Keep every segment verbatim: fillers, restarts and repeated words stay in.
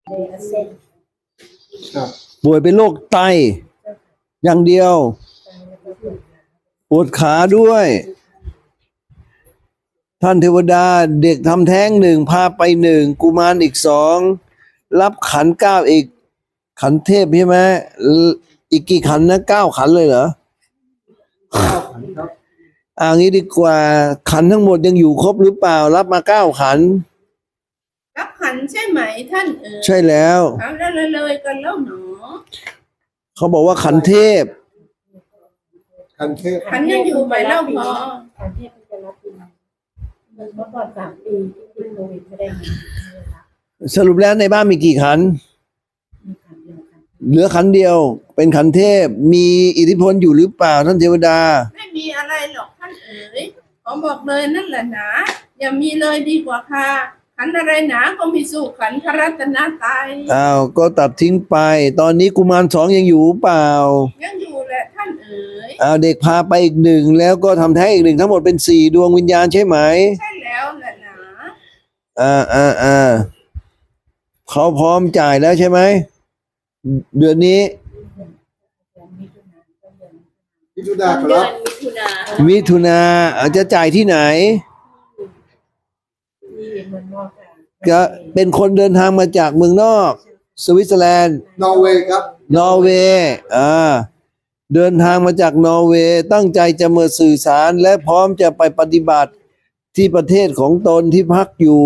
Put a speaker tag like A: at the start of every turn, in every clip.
A: ป่วยเป็นโรคไตอย่างเดียวปวดขาด้วยท่านเทวดาเด็กทำแท้งหนึ่งพาไปหนึ่งกุมารอีกสองรับขันเก้าอีกขันเทพใช่ไหมอีกกี่ขันนะเก้าขันเลยเหรออ่างี้ดีกว่าขันทั้งหมดยังอยู่ครบหรือเปล่ารับมาเก้าขัน
B: รับขันใช่ไหมท่านเอ๋ย
A: ใช่แล้ว
B: เอาแล้วเลยเลยกันแล้วหนอ
A: เขาบอกว่าขันเทพ
C: ขันเทพ
B: ขันยังอยู่ไหมเล่าพอ
D: ขันเทพจะรับปีเมื่อก่อนสามปีที่ติดโควิดไม่ได้เงิน
A: สรุปแล้วในบ้านมีกี่ขันเหลือขันเดียวเป็นขันเทพมีอิทธิพลอยู่หรือเปล่าท่านเทวดา
B: ไม่มีอะไรหรอกท่านเอ๋ยขอบอกเลยนั่นแหละหนาอย่ามีเลยดีกว่าค่ะขันอะไรหนาก็มีสู้ขันพระรัตนตรัย
A: อ้าวก็ตัดทิ้งไปตอนนี้กุมารสองยังอยู่เปล่า
B: ยังอยู่แหละท่านเอ๋ย
A: อ้าวเด็กพาไปอีกหนึ่งแล้วก็ทำแท้งอีกหนึ่งทั้งหมดเป็นสี่ดวงวิญญาณใช่ไหม
B: ใช่แล้วแหละหนา
A: อ่าอ่าอ่าเขาพร้อมจ่ายแล้วใช่ไหมเดือนนี้
C: มิถุนาครับ
A: มิถุนาอาจจะจ่ายที่ไหนก็เป็นคนเดินทางมาจากเมืองนอกสวิตเซอร์แลนด์
C: นอร์เวย์ครับ
A: นอร์เวย์อ่าเดินทางมาจากนอร์เวย์ตั้งใจจะมาสื่อสารและพร้อมจะไปปฏิบัติที่ประเทศของตนที่พักอยู่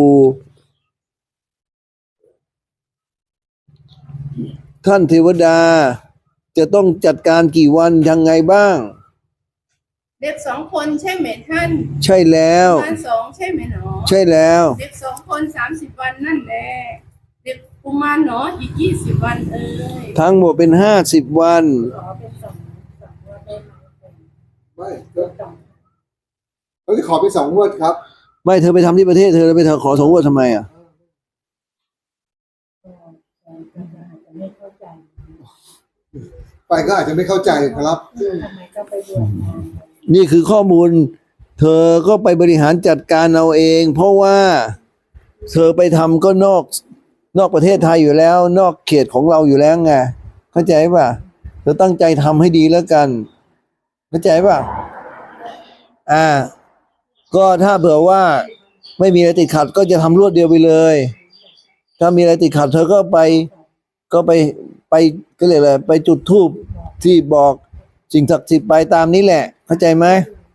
A: ท่านเทวดาจะต้องจัดการกี่วันยังไงบ้าง
B: เด็กสองคนใช่ไหมท่าน
A: ใช่แล้ว
B: กุมารสองใช่ไหมหนอ
A: ใช่แล้ว
B: เด็กสองคนสามสิบวันนั่นแหละเด็กกุมารหนออีกยี่สิบวันเอ้ย
A: ทั้งหมดเป็นห้าสิบวัน
C: ไม่เขาจะขอไปสองงวดครับ
A: ไม่เธอไปทำที่ประเทศเธอไปเธอขอสองงวดทำไมอ่ะ
C: ไปก็อาจจะไม่เข้าใจครับ
A: นี่คือข้อมูลเธอก็ไปบริหารจัดการเอาเองเพราะว่าเธอไปทำก็นอกนอกประเทศไทยอยู่แล้วนอกเขตของเราอยู่แล้วไงเข้าใจป่ะเธอตั้งใจทำให้ดีแล้วกันเข้าใจป่ะอ่าก็ถ้าเผื่อว่าไม่มีอะไรติดขัดก็จะทำรวดเดียวไปเลยถ้ามีอะไรติดขัดเธอก็ไปก็ไปไปก็เลยอะไรไปจุดธูปที่บอกสิ่งศักดิ์สิทธิ์ไปตามนี้แหละเข้าใจไหม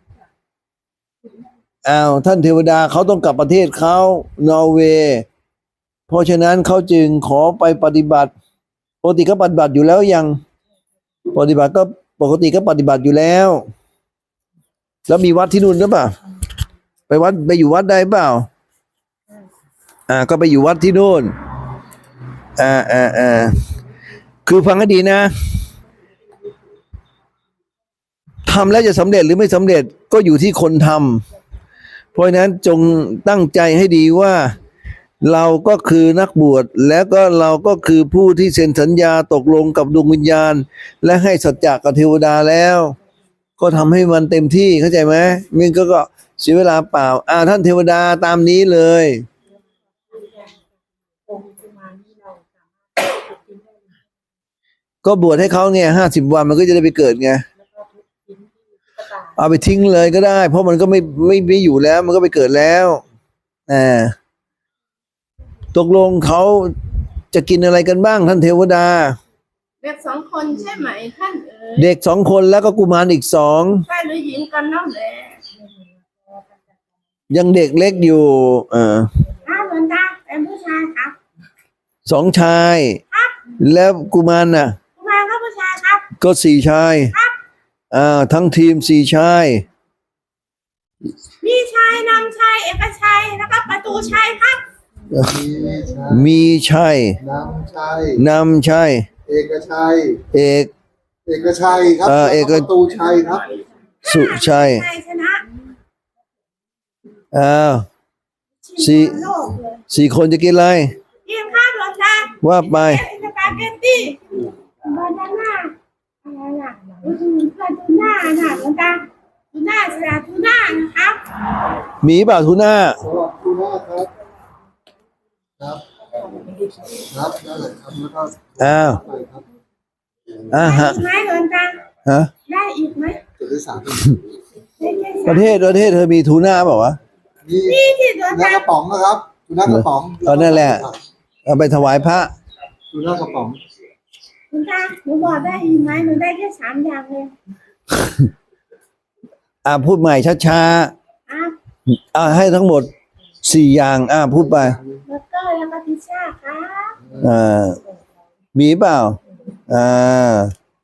A: อ้าวท่านเทวดาเขาต้องกลับประเทศเขานอร์เวย์เพราะฉะนั้นเขาจึงขอไปปฏิบัติปกติก็ปฏิบัติอยู่แล้วยังปฏิบัติก็ปกติก็ปฏิบัติอยู่แล้วแล้วมีวัดที่นู่นหรือเปล่าไปวัดไปอยู่วัดได้เปล่าอ่าก็ไปอยู่วัดที่นู่นอ่าอ่าอ่าคือฟังให้ดีนะทำแล้วจะสำเร็จหรือไม่สำเร็จก็อยู่ที่คนทำเพราะฉะนั้นจงตั้งใจให้ดีว่าเราก็คือนักบวชแล้วก็เราก็คือผู้ที่เซ็นสัญญาตกลงกับดวงวิญญาณและให้สัจจะกับเทวดาแล้วก็ทำให้มันเต็มที่เข้าใจไหมมันก็ก็เสียเวลาเปล่าอ่าท่านเทวดาตามนี้เลยก็บวชให้เขาเนี่ยห้าสิบวันมันก็จะได้ไปเกิดไงเอาไปทิ้งเลยก็ได้เพราะมันก็ไม่ไม่ไม่อยู่แล้วมันก็ไปเกิดแล้วอ่าตกลงเขาจะกินอะไรกันบ้างท่านเทวดา
B: เด็กสองคนใช่ไหมท่านเอ๋ย
A: เด็กสองคนแล้วก็กุมารอีกสอง
B: ชายหรือหญิงกันนั่นแหละ
A: ยังเด็กเล็กอยู่เออ
B: อ้าวหลวงตาเป็นผู้ชายครับ
A: สองชาย
B: ครับ
A: แล้วกุมารน่ะ
B: กุมารก็ผู้ชายครับ
A: ก็สี่ชาย
B: ครับ
A: อ่าทั้งทีมสี่ชาย
B: มีชายนำชายเอกชัยแล้วก็ประตูชัยครับ
A: มีชัย
C: นำชัย
A: นำชัย
C: เอกชัย
A: เอก
C: เอกชัยครับ
A: เอก
C: ประตูชัยครับ
A: สุชัย
B: ชนะ
A: อ้าวสี่สี่คนจะกินอะไร
B: กินข้าวหลวงตา
A: ว่าไป
B: สปาเกตตี้บานาน่าอะไรอ่ะปลาทูน่าน่ะหลวงตาทูน่าสลัดทูน่านะครับ
A: มีเปล่าทูน่า
C: สลัดทูน่าครับครับครับได้เลยครับแล้วก็
A: อ้าว
C: ไปครับ
A: อ่าฮะ
B: ได้หลวงตา
A: ฮะ
B: ได้อีกไหม
C: จุดที่สาม
B: ได้แค่
A: ป
B: สาม
A: ระเทศประเทศเธอมีทูน่าเปล่าวะ
C: นี่
B: นี่ที่หลวง
C: ทูน่า
B: ตาก
C: ระป๋องนะครับทูน่ากระป๋อง
A: เออนั่นแหละ เอาไปถวายพระ
C: ทูน่ากระป๋อง
B: หลวงตาหนูบอกได้อีกไหมหนูได้แค่สามอย่างเลย
A: อ่าพูดใหม่ช้า
B: อ่ะ
A: ๆอ่าให้ทั้งหมดสี่อย่างอ่าพูดไป
B: แล้วก็แล้วก็พิซซ่าครับ
A: อ่ามีเปล่าอ่า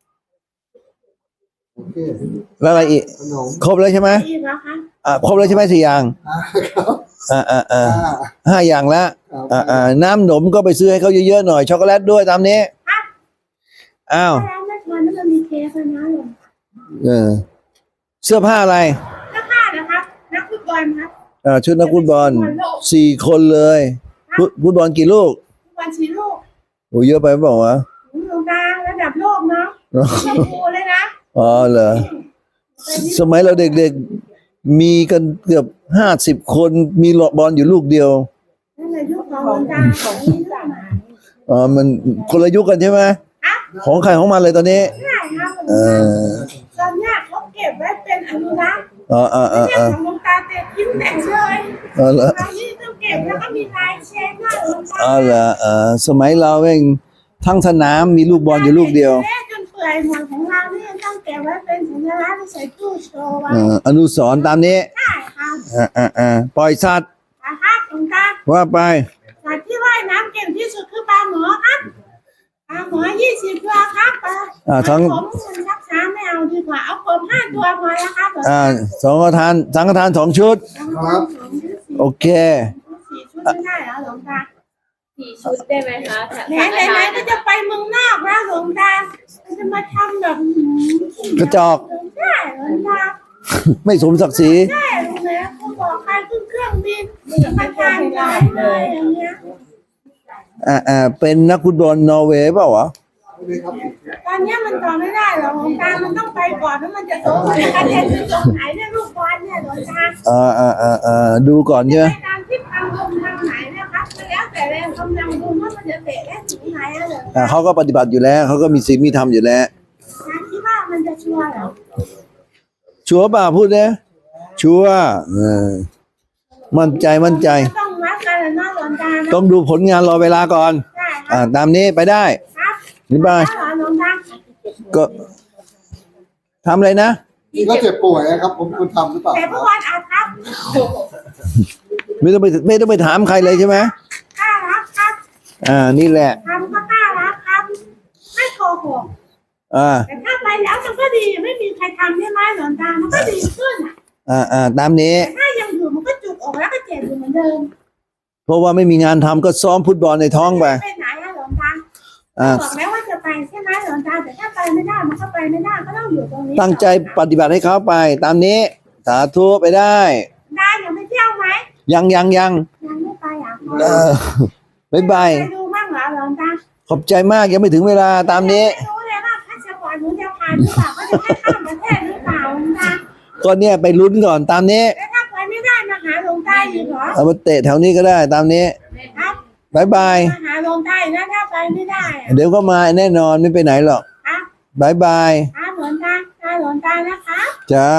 C: โอเค
A: แล้วอะไรอีก
C: ขนม
A: ครบแล้วใช่ไหม
B: อีกแล้วคะ
A: อ่าครบแล้วใช่ไหมสี่อย่าง
C: อ่าครับ
A: อ่าอ่าอ่า
C: อ่า
A: ห้าอย่างแล้ว
C: ครับ
A: อ่าอ่าน้ำหนมก็ไปซื้อให้เขาเยอะๆหน่อยช็อกโกแลตด้วยตามนี้อ้าว
B: แล้วเมื่อวานนั้นมันมีเค้กนะหลวง
A: เออเสื้อผ้าอะไร
B: นักผ้านะครับนักฟุตบอลครับ
A: อ่าชุดนักฟุตบอลสี่คนเลยฟุตฟุตบอลกี่ลูก
B: ฟุตบอลชีโร่
A: โอ้เยอะไปเปล่าวะ
B: หลวงตาระดับโลกเนาะชมพูเลยนะ
A: อ๋อเหรอสมัยเราเด็กๆมีกันเกือบห้าสิบคนมีบอลอยู่ลูกเดียว
B: นั่นแหละยุคของหลวงตาของนี่ลูกหมา
A: อ๋อมันคนละยุคกันใช่ไหม
B: ครับ
A: ของใครของมันเลยตอนนี้
B: ใช่ครับหลวง
A: เอ
B: ตา
A: อ
B: ตอนเนี้ยเขาเก็บไว้เป็นอนุรักษ์
A: อ๋ออ๋ออ๋อ
B: เรื่องของหลวงตาเตะทิ้งแต่เลย
A: อ๋อเหรอ
B: ตอนนี้ต้องเก็บแล้วก็มีลายเซ็นด้วยหลวงตา
A: อ๋อเหรอเออสมัยเราเองทั้งสนามมีลูกบอลอยู่ลูกเดียว
B: แม่จนเปื่อยหมดของเราเนี่ยต้องเก็บไว้เป็นสัญลักษณ์ใส่ตู้โชว์ไว้
A: เอ่ออนุสรณ์ตามนี้
B: ใช่ครับ
A: อ่าอ่าอ่าปล่อยสัตว์
B: นะครับหลวงตา
A: ว่าไป
B: สัตว์ที่ว่ายน้ำเก่งที่สุดคือปลาหมอครับปลาหมอยี่สิบตัวครับปลา
A: อ่าทั้ง
B: ผมมันรักษาไม่เอาดีกว่าเอากบห้าตัวพอแล้วครับ
A: อ่าสองทานสังฆทานสองชุด
B: ครับ
A: โอเค
B: สี่ชุดไม่ได้เหรอหลวงตา
D: สี่ชุดได้ไหมคะ
B: ไหนไหนไหนก็จะไปเมืองนอกแล้วหลวงตาจะมาทำแบบ
A: กระจอก
B: ใช่หลวงตา
A: ไม่สมศักดิ์ศรี
B: ใช่หลวงตาเขาบอกใครขึ้นเครื่องบินจะมาทานได้เลยอย่างเงี้ย
A: อ่าอ่าเป็นนักฟุตบอลนอร์เวย์เปล่าวะ
C: นี่ครับ
B: ตอนเนี้ยมันต่อไม่ได้หรอกหลวงตามันต้องไปก่อนแล้วมันจะโตไปกันเรียนที่ตรงไหนเนี่ยลูกบอลเนี่ยหลวงตา
A: อ่าอ่าอ่าอ่าดูก่อนใช่ไหม
B: ในการที่ทางลงทางไหนนะครับแล้วแต่แรงกำลังดูว่ามันจะเตะได้ถึงไหนอะหลวง
A: อ่า
B: ตา
A: เขาก็ปฏิบัติอยู่แล้วเขาก็มีศีลมีธรรมอยู่แล้ว
B: คิดว่ามันจะชัวร์เหรอ
A: ชัวร์ป่ะพูดเนี่ยชัวร์เออมั่นใจมั่นใจ
B: ต้องวัดกันแล้วเนาะหลวงตานะ
A: ต้องดูผลงานรอเวลาก่อน
B: ใช่ค
A: อ่า
B: รับ
A: ตามนี้ไปได้
B: ครับ
A: นี่บ้า
B: แล้วเหรอหลวงตา
A: ก็ทำอะไรนะ
C: นี่ก็เจ็บป่วยนะครับ ผมคุณทำหรือเปล่า
B: แต่เมื่อวานอาครับ
A: ไม่ต้องไปไม่ต้องไปถามใครเลยใช่ไหม
B: กล้ารับครับ
A: อ่านี่แหละ
B: ทำก็กล้ารับครับไม่โกหก
A: อ่า
B: แต่ถ้าไปแล้วมันก็ดีไม่มีใครทำใช่ไหมหลวงตามันก็ดีขึ้นอ่ะ
A: อ่าอ่าตามนี้
B: แต่ถ้ายังอยู่มันก็จุกออกแล้วก็เจ็บอยู่เหมือนเดิม
A: เพราะว่าไม่มีงานทำก็ซ้อมฟุตบอลในท้องไป
B: ไปไหนอะหลวงตา
A: อ่า
B: บอกแล้วว่าจะไปใช่ไหมหลวงตาแต่ถ้าไปไม่ได้มันก็ไปไม่ได้ก็ต้องอยู่ตรงนี้
A: ตั้งใจปฏิบัติให้เขาไป ตามนี้ สาธุไปได้
B: ได้เดี๋ยวไปเที่ยวไหม
A: ยังยังยัง
B: ยังไม่ไปอ่ะ
A: เออบ๊ายบาย
B: ไปดูบ้างเหรอหลวงตา
A: ขอบใจมากยังไม่ถึงเวลาตามนี้
B: ไม่รู้เลยว่าพาสปอร์ตหนูจะผ่านหรือเปล่าก็จะให้ข้ามประเทศหรือเปล่าหลวงตา
A: ก็เนี่ยไปลุ้นก่อนตามนี้
B: แล้วถ้าไปไม่ได้มาหาหลวงตาอีกเหรอ
A: เอามาเตะแถวนี้ก็ได้ตามนี้
B: ครับ
A: บายบาย
B: มาหาหลวงตาอีกนะถ้าไปไม่ได้อะ
A: เดี๋ยวก็มาแน่นอนไม่ไปไหนหรอก
B: ครับ
A: บายบาย
B: ครับหลวงตาตาหลวงตานะคะ
A: จ้า